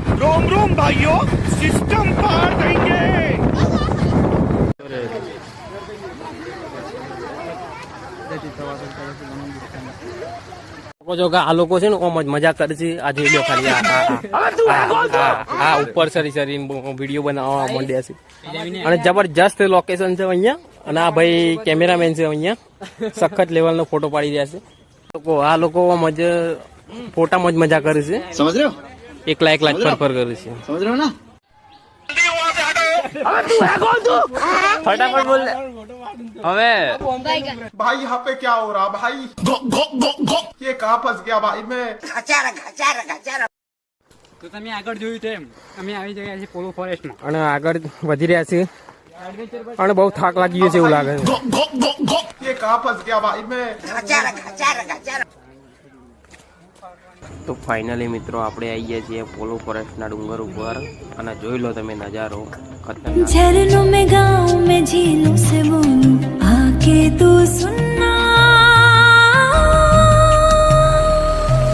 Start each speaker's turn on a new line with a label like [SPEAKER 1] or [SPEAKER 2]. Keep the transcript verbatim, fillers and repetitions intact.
[SPEAKER 1] रोम रोम भाइयों, सिस्टम पार देंगे।
[SPEAKER 2] જો કે આ લોકો છે ને ઓમ જ મજા કરે છે. આજે લ્યો ખાલી આ ઉપર સરી સરી વિડીયો બનાવવા માંડ્યા છે અને જબરજસ્ત લોકેશન છે અહીંયા. અને આ ભાઈ કેમેરામેન છે અહીંયા, સખત લેવલનો ફોટો પાડી રહ્યા છે. લોકો આ લોકો મજ ફોટામાં જ મજા કરે છે. સમજ રહ્યો? એકલા એકલા જ ફરફર કરે છે. સમજ રહ્યો ને? फटाफट बोल હવે
[SPEAKER 3] भाई यहाँ पे क्या हो रहा भाई? ये कहाँ फंस गया भाई मैं?
[SPEAKER 4] તો તમે આગળ જોયું તેમ અમે આવી ગયા છીએ પોલો ફોરેસ્ટમાં
[SPEAKER 2] અને આગળ વધી રહ્યા છે અને બહુ થાક લાગી ગયો છે એવું લાગે છે.
[SPEAKER 3] ये कहाँ फंस गया भाई मैं?
[SPEAKER 2] તો ફાઇનલી મિત્રો આપણે આવી ગયા છીએ પોલો ફોરેસ્ટના ડુંગર ઉપર અને જોઈ લો તમે નજારો ખતરનાક.